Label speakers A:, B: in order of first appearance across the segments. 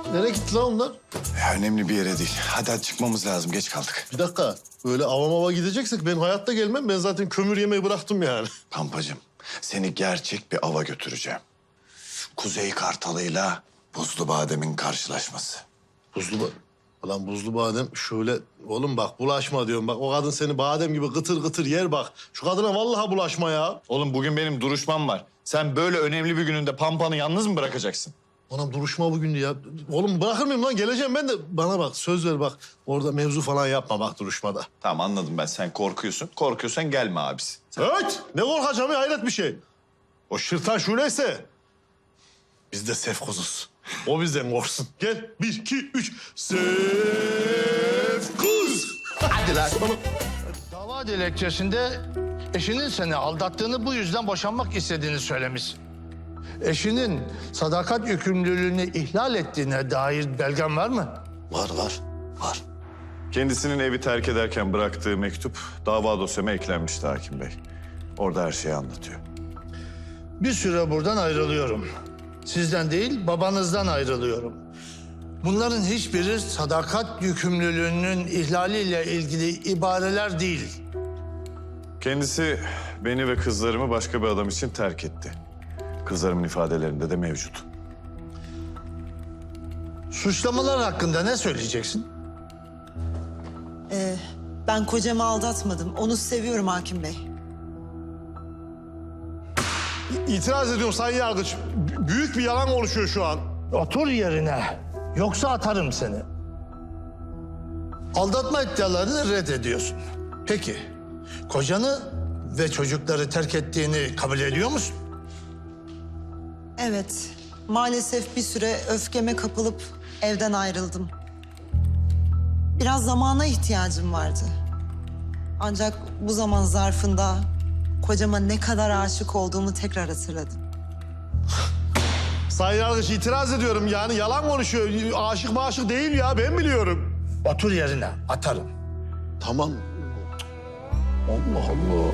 A: Nereye gitti lan onlar?
B: Ya önemli bir yere değil. Hadi çıkmamız lazım. Geç kaldık.
A: Bir dakika. Böyle avama gideceksek ben hayatta gelmem. Ben zaten kömür yemeyi bıraktım yani.
B: Pampacığım, seni gerçek bir ava götüreceğim. Kuzey Kartalı'yla Buzlu Badem'in karşılaşması.
A: Ulan buzlu badem şöyle... Oğlum bak bulaşma diyorum. Bak o kadın seni badem gibi kıtır kıtır yer bak. Şu kadına vallahi bulaşma ya.
B: Oğlum bugün benim duruşmam var. Sen böyle önemli bir gününde Pampa'nı yalnız mı bırakacaksın?
A: Anam duruşma bugün ya. Oğlum bırakır mıyım lan? Geleceğim ben de. Bana bak söz ver bak. Orada mevzu falan yapma bak duruşmada.
B: Tamam anladım ben. Sen korkuyorsun. Korkuyorsan gelme abisi.
A: Evet. Ne korkacağım ya? Hayret bir şey. O şırtan şöyleyse biz de sefkuzuz. O bizden korksun. Gel. 1, 2, 3. Sefkuz. Hadi lan.
C: Dava dilekçesinde eşinin seni aldattığını, bu yüzden boşanmak istediğini söylemiş. Eşinin sadakat yükümlülüğünü ihlal ettiğine dair belgen var mı?
A: Var.
B: Kendisinin evi terk ederken bıraktığı mektup dava dosyama eklenmişti Hakim Bey. Orada her şeyi anlatıyor.
C: Bir süre buradan ayrılıyorum. Sizden değil, babanızdan ayrılıyorum. Bunların hiçbiri sadakat yükümlülüğünün ihlaliyle ilgili ibareler değil.
B: Kendisi beni ve kızlarımı başka bir adam için terk etti. Kızlarımın ifadelerinde de mevcut.
C: Suçlamalar hakkında ne söyleyeceksin?
D: Ben kocamı aldatmadım. Onu seviyorum Hakim Bey.
A: İtiraz ediyorum Sayın Yargıç. Büyük bir yalan oluşuyor şu an.
C: Otur yerine, yoksa atarım seni. Aldatma iddialarını reddediyorsun. Peki, kocanı ve çocukları terk ettiğini kabul ediyor musun?
D: Evet, maalesef bir süre öfkeme kapılıp evden ayrıldım. Biraz zamana ihtiyacım vardı. Ancak bu zaman zarfında kocama ne kadar aşık olduğumu tekrar hatırladım.
A: Sayın Yargıç itiraz ediyorum yani yalan konuşuyor. Aşık maşık değil ya ben biliyorum.
C: Otur yerine, atarım.
A: Tamam. Allah Allah.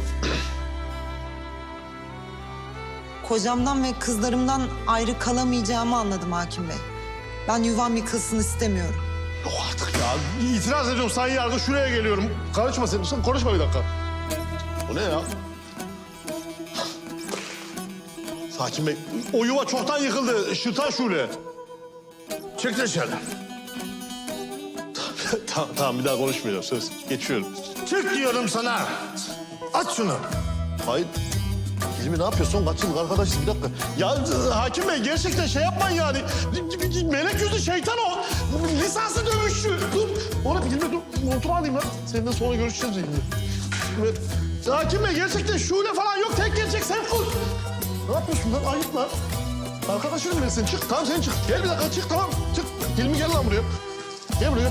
D: Kocamdan ve kızlarımdan ayrı kalamayacağımı anladım Hakim Bey. Ben yuvam yıkılsın istemiyorum.
A: Yok artık ya. İtiraz ediyorum Sayın Yargıç şuraya geliyorum. Karışma sen konuşma bir dakika. Bu ne ya? Hakim Bey, o yuva çoktan yıkıldı. Şırtan Şule.
C: Çık dışarı.
A: Tamam bir daha konuşmayacağım söz. Geçiyorum.
C: Çık diyorum sana. At şunu.
A: Hayır. Hilmi ne yapıyorsun? Kaç yıllık arkadaşız bir dakika. Ya Hakim Bey gerçekten şey yapmayın yani. Melek yüzlü şeytan o. Lisanslı dövüşçü. Dur. Oğlum Hilmi dur. Motoru alayım lan. Seninle sonra görüşeceğiz Hilmi. Hakim Bey gerçekten şule falan yok. Tek gerçek Sefkuz. Ne yapıyorsun lan? Ayıp lan. Arkadaşını bilirsin. Çık. Tamam sen çık. Gel bir dakika çık tamam. Çık. Hilmi gel lan buraya. Gel buraya.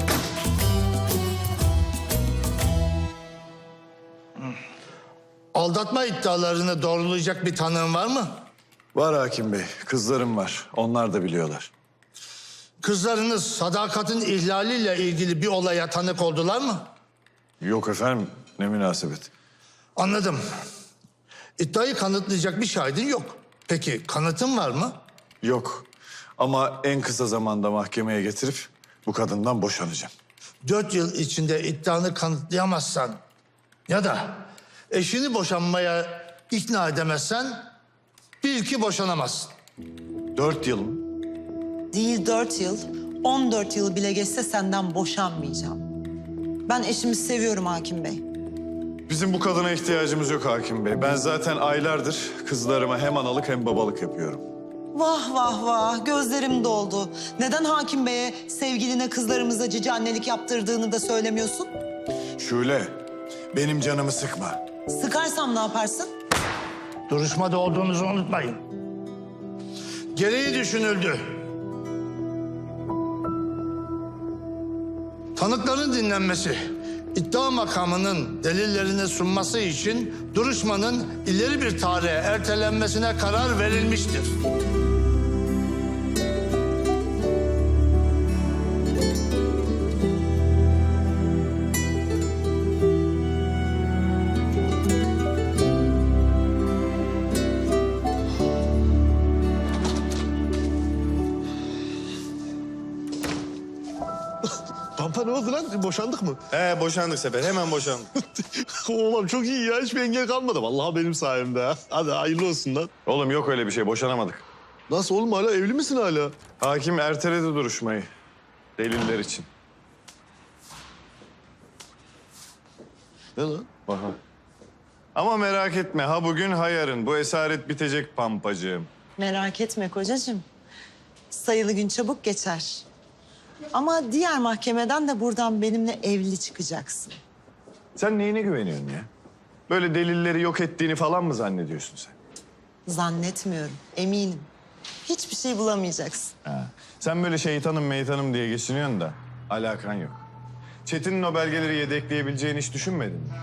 C: Aldatma iddialarını doğrulayacak bir tanığın var mı?
B: Var Hakim Bey. Kızlarım var. Onlar da biliyorlar.
C: Kızlarınız sadakatin ihlaliyle ilgili bir olaya tanık oldular mı?
B: Yok efendim. Ne münasebet.
C: Anladım. İddiayı kanıtlayacak bir şahidin yok. Peki kanıtın var mı?
B: Yok. Ama en kısa zamanda mahkemeye getirip bu kadından boşanacağım.
C: 4 yıl içinde iddianı kanıtlayamazsan ya da eşini boşanmaya ikna edemezsen bil ki boşanamazsın.
B: 4 yıl mı?
D: Değil 4 yıl, 14 yıl bile geçse senden boşanmayacağım. Ben eşimi seviyorum Hakim Bey.
B: Bizim bu kadına ihtiyacımız yok Hakim Bey. Ben zaten aylardır kızlarıma hem analık hem babalık yapıyorum.
D: Vah vah vah, gözlerim doldu. Neden Hakim Bey'e sevgiline kızlarımıza cici annelik yaptırdığını da söylemiyorsun?
B: Şule, benim canımı sıkma.
D: Sıkarsam ne yaparsın?
C: Duruşmada olduğunuzu unutmayın. Gereği düşünüldü. Tanıkların dinlenmesi, iddia makamının delillerini sunması için duruşmanın ileri bir tarihe ertelenmesine karar verilmiştir.
A: Pampa ne oldu lan? Boşandık mı?
B: He boşandık Sefer. Hemen boşandık.
A: Oğlum çok iyi ya. Hiçbir engel kalmadı. Vallahi benim sayemde ha. Hadi hayırlı olsun lan.
B: Oğlum yok öyle bir şey. Boşanamadık.
A: Nasıl oğlum hala evli misin hala?
B: Hakim erteledi duruşmayı. Deliller için.
A: Ne lan?
B: Aha. Ama merak etme. Ha bugün ha yarın. Bu esaret bitecek pampacığım.
D: Merak etme kocacığım. Sayılı gün çabuk geçer. Ama diğer mahkemeden de buradan benimle evli çıkacaksın.
B: Sen neyine güveniyorsun ya? Böyle delilleri yok ettiğini falan mı zannediyorsun sen?
D: Zannetmiyorum, eminim. Hiçbir şey bulamayacaksın.
B: Ha. Sen böyle şeytanım meytanım diye geçiniyorsun da alakan yok. Çetin'in o belgeleri yedekleyebileceğini hiç düşünmedin mi?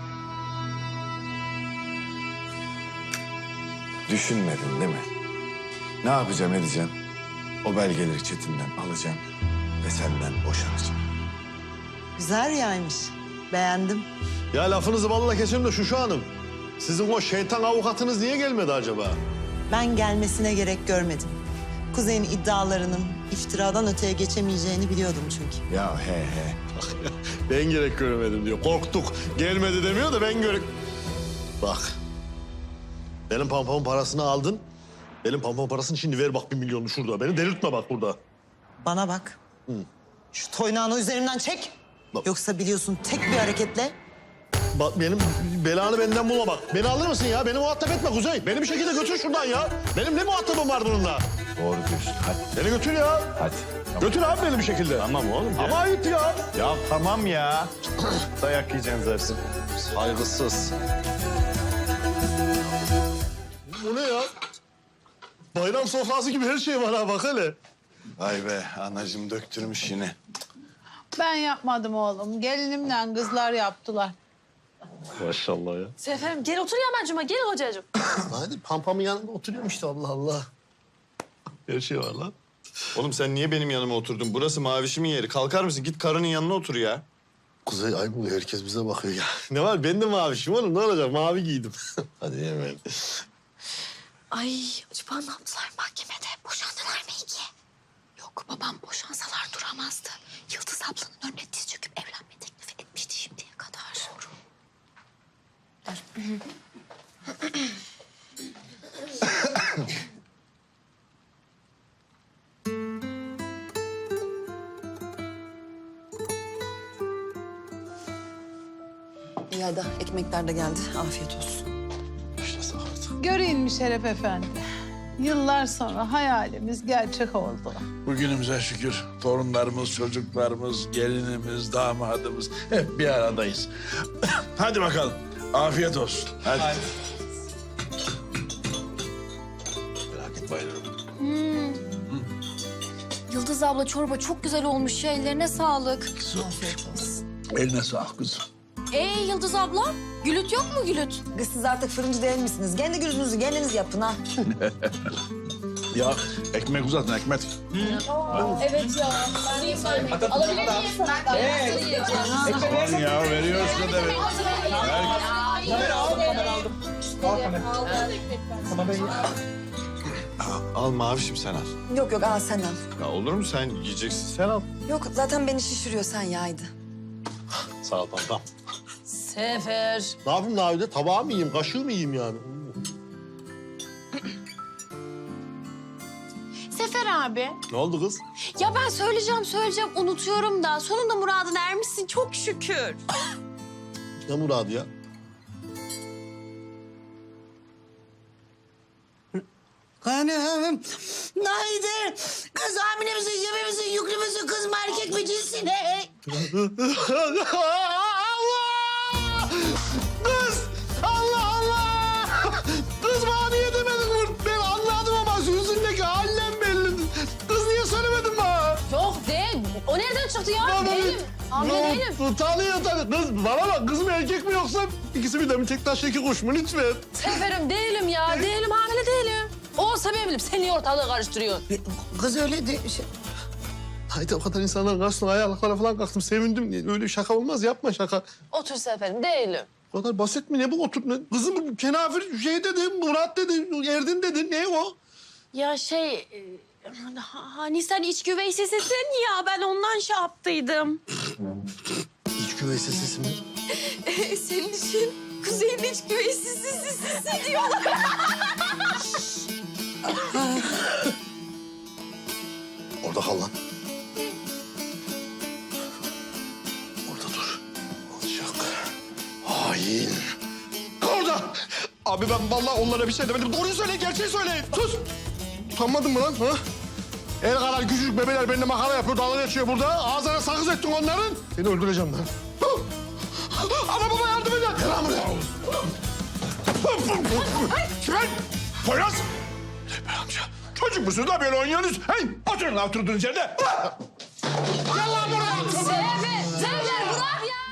B: Düşünmedin değil mi? Ne yapacağım edeceğim? O belgeleri Çetin'den alacağım ve senden boşanacağım.
D: Güzel rüyaymış. Beğendim.
A: Ya lafınızı balla keserim de şu hanım. Sizin o şeytan avukatınız niye gelmedi acaba?
D: Ben gelmesine gerek görmedim. Kuzey'in iddialarının iftiradan öteye geçemeyeceğini biliyordum çünkü.
B: Ya he.
A: Ben gerek göremedim diyor. Korktuk. Gelmedi demiyor da ben gerek... Bak. Benim pampamın parasını aldın. Benim pampamın parasını şimdi ver bak 1 milyonu şurada. Beni delirtme bak burada.
D: Bana bak. Şu toynağını üzerimden çek.
A: Bak.
D: Yoksa biliyorsun tek bir hareketle
A: Bak benim belanı benden bulma bak. Beni alır mısın ya? Beni muhatap etme Kuzey. Beni bir şekilde götür şuradan ya. Benim ne muhatabım var bununla?
B: Doğru diyorsun. Hadi.
A: Beni götür ya.
B: Hadi.
A: Götür abi beni bir şekilde.
B: Tamam oğlum.
A: Ama ayıp ya.
B: Ya tamam ya. Dayak yiyeceksin zaten.
A: Saygısız. Bu ne ya? Bayram sofrası gibi her şey var ha bak hele.
B: Vay be anacığım döktürmüş yine.
E: Ben yapmadım oğlum. Gelinimle kızlar yaptılar.
A: Maşallah ya.
F: Seferim gel otur ya Mercuma, gel hocacığım.
A: Hadi pampamın yanında oturuyorum işte Allah Allah. Her şey var lan.
B: Oğlum sen niye benim yanıma oturdun? Burası mavişimin yeri. Kalkar mısın? Git karının yanına otur ya.
A: Kuzey ay bu herkes bize bakıyor ya. Ne var ben de mavişim oğlum ne olacak mavi giydim. Hadi hemen.
F: Ay acaba ne yaptılar mahkemede? Boşandılar mı ki? Yok babam boşansalar duramazdı. Yıldız ablanın önüne diz çöküp evlenme teklifi etmişti şimdiye kadar. Doğru.
G: İyi hadi ekmekler de geldi. Afiyet olsun.
A: Başlasak artık.
E: Göreyim mi Şeref Efendi? Yıllar sonra hayalimiz gerçek oldu.
H: Bugünümüze şükür torunlarımız, çocuklarımız, gelinimiz, damadımız hep bir aradayız. Hadi bakalım. Afiyet olsun.
B: Hadi.
A: Merak etme bayılırım.
F: Yıldız abla çorba çok güzel olmuş ya, ellerine sağlık.
G: Afiyet olsun.
H: Eline sağlık kızım.
F: Yıldız abla, gülüt yok mu gülüt?
G: Kız siz artık fırıncı değil misiniz? Kendi gülünüzü kendiniz yapın ha.
H: Ya ekmek uzatın ekmek.
F: Evet ya, ben niye söylemek? Alabilir miyim?
H: Aman ya veriyoruz kadar.
B: Al mavişim sen al.
G: Yok yok al sen al.
B: Ya olur mu sen yiyeceksin sen al.
G: Yok zaten beni şişiriyor sen yaydı.
A: Sağ ol pampam.
F: Sefer.
A: Ne yapayım Navide? Tabağı mı yiyeyim, kaşığı mı yiyeyim yani?
F: Sefer abi.
A: Ne oldu kız?
F: Ya ben söyleyeceğim unutuyorum da. Sonunda muradına ermişsin çok şükür.
A: Ne muradı ya?
I: Hanım, haydi. Kız hamile misin, gebe misin, yüklü müsün, kız mı erkek mi cinsin?
A: Allah! Kız! Allah Allah! Kız bana niye demedin? Ben anladım ama yüzündeki hallem belli. Kız niye söylemedin bana?
F: Yok değil. O nereden çıktı ya?
A: Bana
F: Değilim. Hamile değilim.
A: Tanıyor. Kız bana bak kız mı erkek mi yoksa ikisi birden mi tek taş iki kuş mu lütfen?
F: Seferim değilim ya. Değilim, hamile değilim. Olsa ben bilirim. Sen niye ortalığı karıştırıyorsun?
I: Kız öyle de...
A: Haydi o kadar insanların karşısına ayaklara falan kalktım. Sevindim. Öyle şaka olmaz. Yapma şaka.
F: Otur Seferim, değilim.
A: O kadar basit mi? Ne bu otur? Kızım kenafir şey dedi, Murat dedi, Erdin dedi. Ne o?
F: Ya Hani sen iç güveysesisin ya, ben ondan şey yaptıydım.
A: İç güveysi sesi mi?
F: Senin için Kuzey'in iç güveysesi diyorlar.
A: Orada kal lan. Orada dur. Alçak. Hain. Orada. Abi ben vallahi onlara bir şey demedim. Doğruyu söyle, gerçeği söyle. Sus. Utanmadın mı lan? Ha? El kadar küçücük bebeler benimle makara yapıyor, dalga geçiyor burada. Ağzına sakız ettin onların. Seni öldüreceğim lan. Ana baba yardım edin. Gel lan buraya. Çıkar. Poyraz. Tepe amca. Çocuk musunuz da böyle oynuyorsunuz? Hey, oturun lan oturduğunuz yerde. Gel lan buraya.
F: Sefer bırak ya.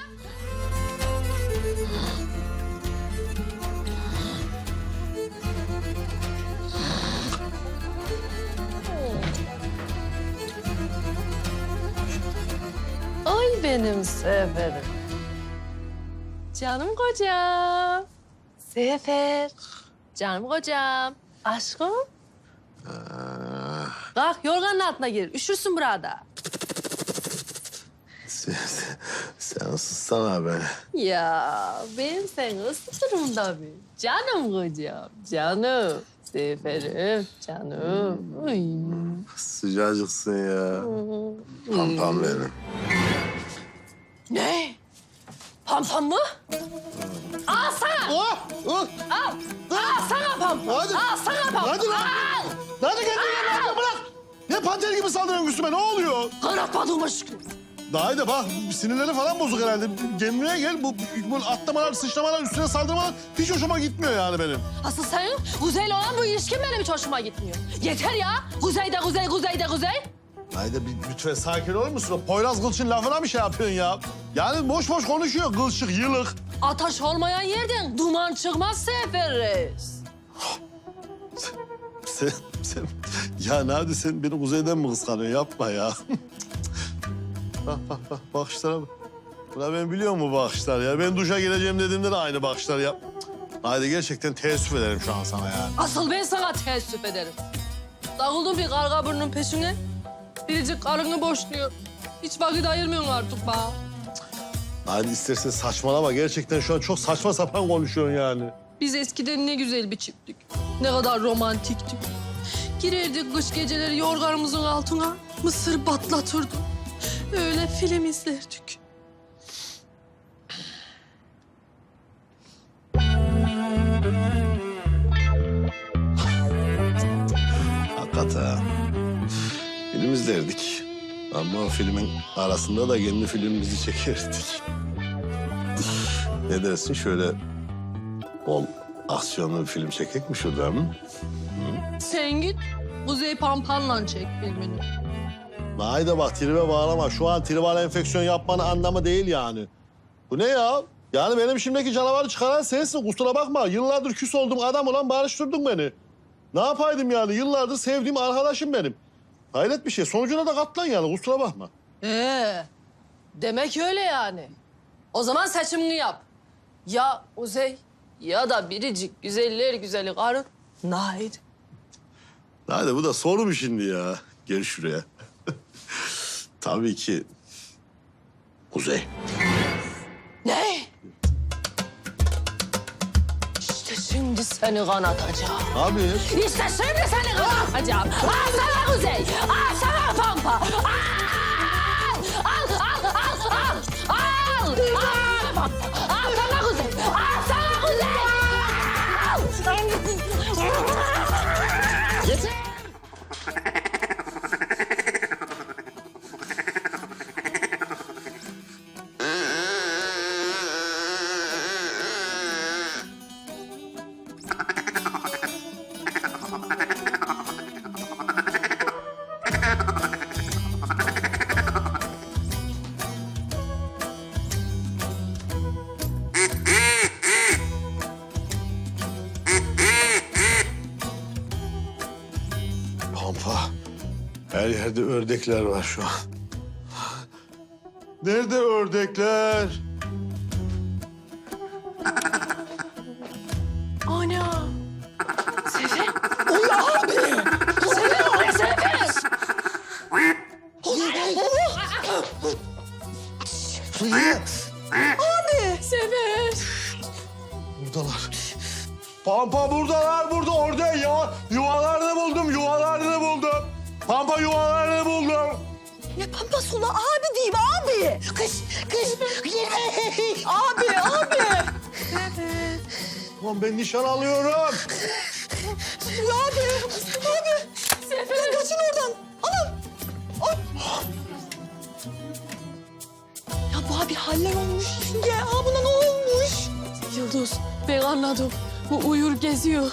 F: Ay benim Sefer'im. Canım kocam. Sefer. Canım kocam. Aşkım. Kalk yorganın altına gir. Üşürsün burada.
A: Sen ıssana be.
F: Ya ben seni ısıtırım tabii. Canım kocam. Canım. Seferim. Canım. Ay.
A: Sıcacıksın ya. Pampam benim.
F: Ne? Pampam mı? Al sana.
A: Oh! Oh!
F: Al. Al sana pampam.
A: Hadi.
F: Al sana pampam.
A: Hadi lan.
F: Al.
A: Hadi kendine bırak, bırak. Ne panter gibi saldırıyorsun üstüme, ne oluyor?
F: Kanatmadığıma şükür.
A: Daha da bak, sinirleri falan bozuk herhalde. Kendine gel, bu atlamalar, sıçramalar, üstüne saldırmalar hiç hoşuma gitmiyor yani benim.
F: Asıl senin Kuzey'le olan bu ilişkin benim hiç hoşuma gitmiyor. Yeter ya. Kuzey'de Kuzey.
A: Haydi bir lütfen sakin olur musun? O Poyraz Gılçın lafına mı şey yapıyorsun ya? Yani boş boş konuşuyor, gılçık, yılık.
F: Ateş olmayan yerden duman çıkmaz Sefer Reis.
A: Sen, ya Nadi sen beni kuzeyden mi kıskanıyorsun? Yapma ya. bak, bakışlara bak. Buna ben biliyorum bu bakışlar ya. Ben duşa gireceğim dediğimde de aynı bakışlar yap. Haydi gerçekten teessüf ederim şu an sana yani.
F: Asıl ben sana teessüf ederim. Dağıldın bir karga burnunun peşine. Biricik karını boşluyor. Hiç vakit ayırmıyorsun artık bana.
A: Haydi istersen saçmalama. Gerçekten şu an çok saçma sapan konuşuyorsun yani.
F: Biz eskiden ne güzel bir çifttik. Ne kadar romantiktik. Girerdik kış geceleri yorganımızın altına. Mısır batlatırdık. Öyle film izlerdik.
A: Hakikaten. Film izlerdik. Ama o filmin arasında da kendi filmimizi çekerdik. Ne dersin şöyle bol aksiyonlu bir film çekek mi şurada mı?
F: Sen git Kuzey Pampan'la çek filmini.
A: Haydi bak tribe bağlama. Şu an tribal enfeksiyon yapmanın anlamı değil yani. Bu ne ya? Yani benim şimdiki canavarı çıkaran sensin. Kusura bakma. Yıllardır küs olduğum adam olan barıştırdın beni. Ne yapaydım yani? Yıllardır sevdiğim arkadaşım benim. Hayret bir şey. Sonucuna da katlan yani. Kusura bakma.
F: Demek öyle yani. O zaman seçimini yap. Ya Kuzey ya da biricik güzeller güzeli karın Nahid.
A: Haydi bu da soru mu şimdi ya? Gel şuraya. Tabii ki Kuzey.
F: Ne? İşte şimdi seni kanatacağım.
A: Abi.
F: İşte şimdi seni kanatacağım. Al sana Kuzey. Al sana Pampa. Al! Al, al, al, al. Al! Al Pampa. Al sana Kuzey. Al sana Kuzey. Al! Yeter.
A: Pampa. Her yerde ördekler var şu an. Nerede ördekler?
F: Ana. Sefer. Uy abi. Sefer o ne Sefer?
I: Buraya.
F: Sefer.
A: Buradalar. Pampa buradalar, burada, orada. Yuvalarını buldum. Pampa yuvalarını buldum.
G: Ne pampası ula abi diyeyim abi.
I: Kız girme.
G: Abi.
A: Lan ben nişan alıyorum.
G: Abi.
F: Sefer.
G: Kaçın oradan. Anam. Ya bu abi haller olmuş. Ya buna ne olmuş?
F: Yıldız, ben anladım. Bu uyur geziyor.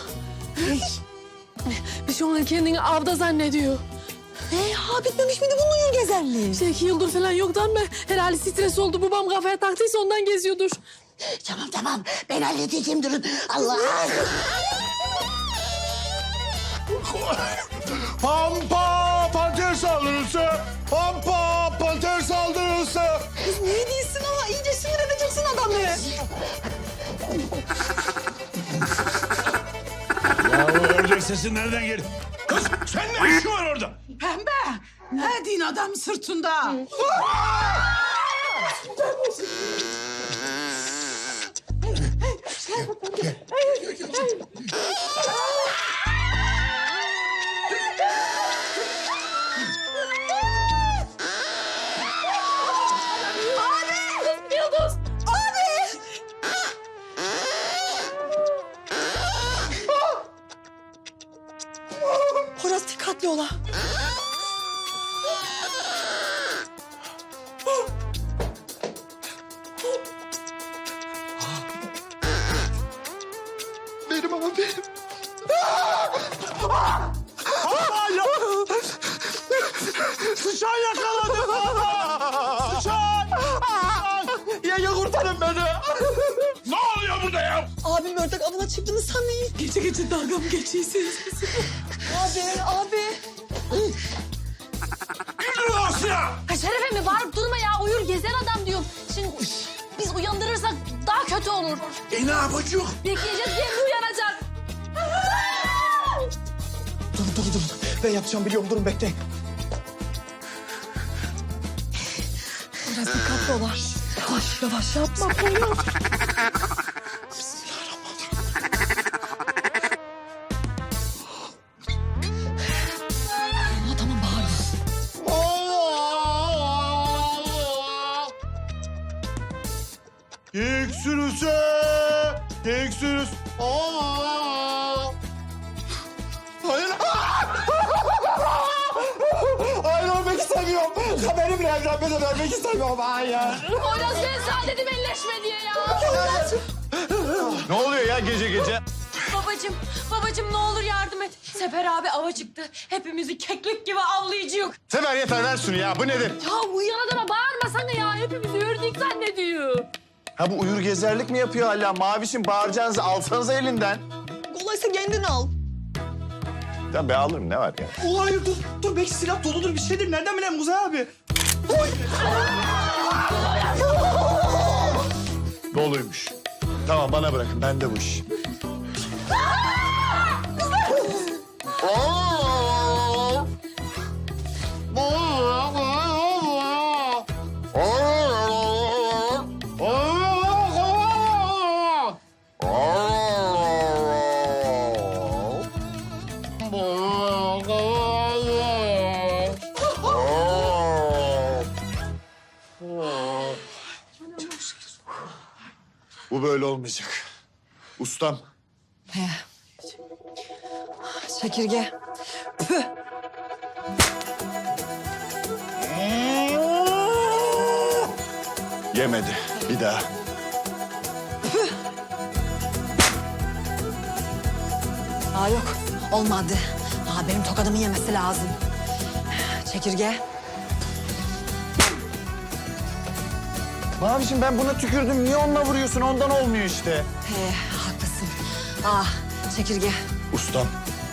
F: Bir şey onu kendini avda zannediyor.
G: Bitmemiş miydi bunun uyur gezerliği?
F: İşte yıldır falan yoktu ama herhalde stres oldu. Babam kafaya taktıysa ondan geziyordur.
I: Tamam. Ben halledeceğim durun. Allah.
A: Pampa panter saldırısı. Pampa panter saldırısı.
G: Kız ne değilsin ama iyice sinir edeceksin adamı.
H: Ya o ördek sesi nereden geldi? Kız sen ne işin var orada?
I: Pembe. Ne din adam sırtında?
F: Yıldız!
G: Horaz dikkatli ola.
A: Benim ama benim. Ya. Sıçan yakaladı bana. Sıçan. Ya kurtarın beni.
H: Ne oluyor burada ya?
G: Abim ördek avına çıktığını sanmayın.
F: Gece dalga mı geçiyorsunuz?
G: Abi.
H: İndir o silahı!
F: Ha Şerefe mi? Bağırıp durma ya. Uyur gezen adam diyorum. Şimdi biz uyandırırsak daha kötü olur.
H: Ne yapacak?
F: Bekleyeceğiz, kendi uyanacak.
J: Durun. Ben yapacağım biliyorum. Durun bekleyin.
G: Biraz dikkatli ola. Yavaş yapma. Tamam bağırma.
A: Geyik sürüsü. Geyik sürüsü. Hayır. Hayır ölmek istemiyorum. Benimle evlenmeden ölmek istemiyorum. Hayır.
F: Poyraz ben sana dedim elleşme diye ya.
B: Ne oluyor ya gece?
F: Babacım ne olur yardım et. Sefer abi ava çıktı. Hepimizi keklik gibi avlayacak.
B: Sefer yeter ver şunu ya. Bu nedir?
F: Ya uyuyan adama bağırmasana ya. Hepimizi ördük zannediyor.
J: Ha bu uyur gezerlik mi yapıyor hala? Mavişim bağıracağınızı alsanıza elinden.
G: Kolaysa kendin al.
B: Tamam ben alırım ne var ya?
J: Ulan hayır dur. Belki silah doludur bir şeydir. Nereden bileyim Kuzey abi?
B: Doluymuş. Tamam bana bırakın bende bu iş. Bu böyle olmayacak. Ustam.
G: Çekirge. Püh.
B: Yemedi. Bir daha.
G: Yok. Olmadı. Benim tokadımı yemesi lazım. Çekirge.
J: Mavişim ben buna tükürdüm. Niye onunla vuruyorsun? Ondan olmuyor işte.
G: Haklısın. Çekirge.
B: Ustam.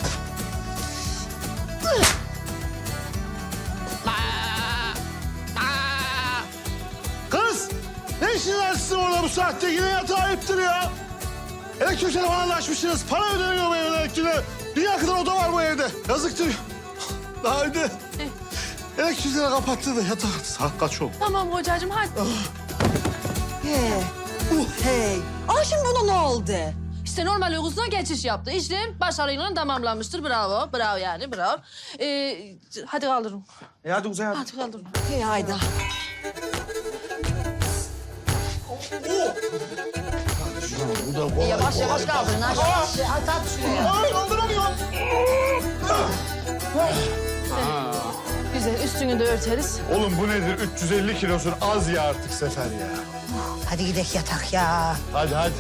A: Kız! Ne işiniz var sizin orada bu saatte? Yine yatağa ayıptır ya. Elektrik telefonunu açmışsınız. Para ödeniyor bu evde elektriğe. Dünya kadar oda var bu evde. Yazıktır. Daha önce elektrikleri kapattı da yatağa. Saat kaç oldu?
F: Tamam hocacığım hadi.
G: Hey. Aa şimdi buna ne oldu?
K: İşte normal uykusuna geçiş yaptı. İşlem başarıyla tamamlanmıştır. Bravo, bravo yani, bravo. Hadi kaldırın.
J: Hadi Kuzey hadi.
K: Hadi kaldırın.
G: Hey Ayda.
K: Yavaş yavaş kaldırın. Güzel, üstünü de örteriz.
J: Oğlum bu nedir? 350 kilosun az ya artık Sefer ya.
I: Hadi gidelim yatak ya.
J: Hadi hadi.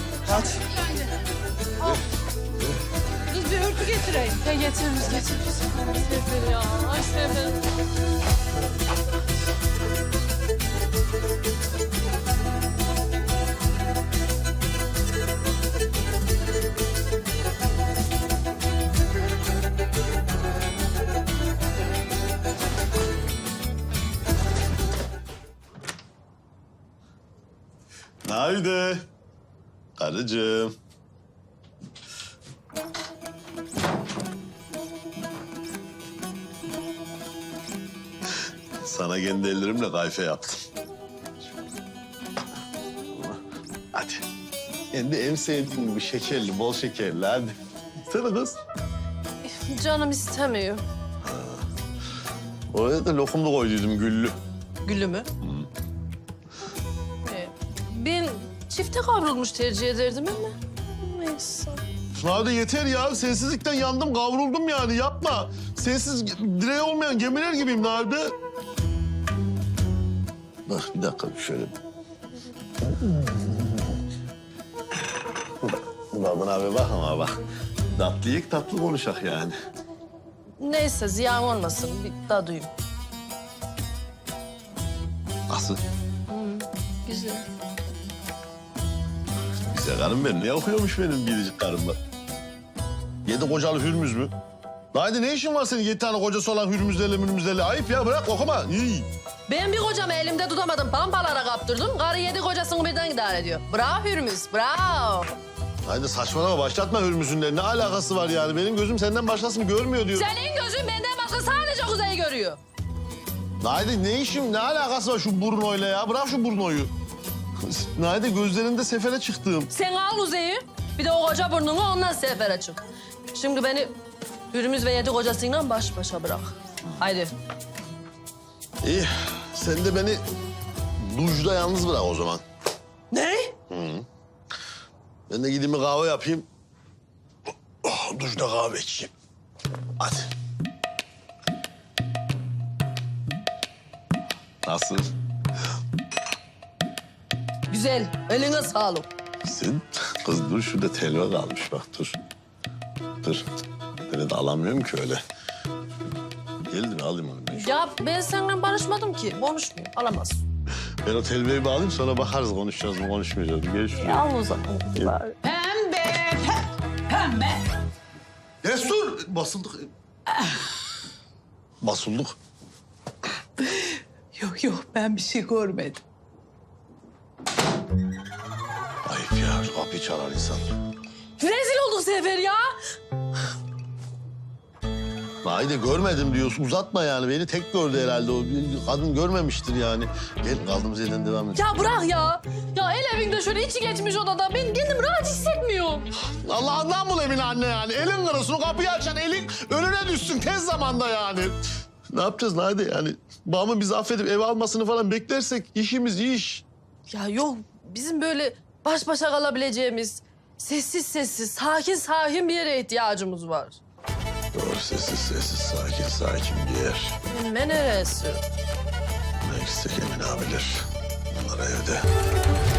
K: Kız bir örtü getireyim. Ya getiririz. Sefer ya, ay Sefer.
A: Haydi. Karıcığım. Sana kendi ellerimle kayfe yaptım. Hadi. Kendi en sevdiğim gibi şekerli, bol şekerli hadi. Sana kız.
K: Canım istemiyor.
A: Oraya da lokumlu koyduydum güllü.
K: Gülü mü? Ben çifte kavrulmuş tercih ederdim ama. Neyse.
A: Hadi yeter ya. Sensizlikten yandım, kavruldum yani. Yapma. Sensiz direği olmayan gemiler gibiyim Nade. Bak bir dakika şöyle. Babın abi bak ama bak. Tatlı yiyik, tatlı konuşak yani.
K: Neyse ziyan olmasın. Bir daha duyayım.
A: Nasıl?
K: Güzel.
A: Güzel karım benim. Ne okuyormuş benim biricik karımla? 7 kocalı Hürmüz mü? Haydi ne işin var senin 7 tane kocası olan Hürmüzlerle? Ayıp ya bırak okuma. İyi.
K: Ben bir kocamı elimde tutamadım. Pampalara kaptırdım. Karı 7 kocasını birden idare ediyor. Bravo Hürmüz, bravo.
A: Haydi saçmalama başlatma Hürmüz'ün ne alakası var yani? Benim gözüm senden başkasını görmüyor diyor.
K: Senin gözün benden başka sadece Kuzey'i görüyor.
A: Haydi ne işim ne alakası var şu Bruno'yla ya? Bırak şu Bruno'yu. Haydi gözlerinde sefere çıktım.
K: Sen al Kuzey'i. Bir de o koca burnunu ondan sefere çık. Şimdi beni Hürmüz ve 7 kocasıyla baş başa bırak. Haydi.
A: İyi sen de beni duşta yalnız bırak o zaman.
K: Ne?
A: Ben de gideyim bir kahve yapayım. Oh, duşta kahve içeyim. Hadi. Nasıl?
K: Güzel. Eline sağlık.
A: Sen kız dur şurada telva kalmış bak dur. Dur. Böyle de alamıyorum ki öyle. Geldi mi alayım onu ben.
K: Ya ben seninle barışmadım ki. Konuşmuyorum. Alamazsın.
A: Ben o telveyi bir alayım sonra bakarız konuşacağız mı konuşmayacağız mı. Gel şuraya.
K: Al o zaman.
E: Pembe.
A: Destur! Basıldık. Basıldık.
E: Yok ben bir şey görmedim.
A: Ayıp ya şu kapıyı çalar insan.
K: Rezil olduk Sefer ya.
A: Haydi görmedim diyorsun uzatma yani. Beni tek gördü herhalde o. Kadın görmemiştir yani. Gel kaldığımız yerden devam edelim.
K: Ya bırak ya. Ya el evinde şöyle içi geçmiş odada. Ben kendim rahat hissetmiyorum.
A: Allah'ından bul Emine anne yani. Elin kırılsın o kapıyı açan elin önüne düşsün tez zamanda yani. Ne yapacağız Nade yani? Babamın bizi affedip eve almasını falan beklersek işimiz iş.
K: Ya yok bizim böyle baş başa kalabileceğimiz sessiz sessiz, sakin sakin bir yere ihtiyacımız var.
A: Doğru sessiz sakin bir yer.
K: Ne neresi?
A: Ne gitsek Emine abiler. Onlar evde.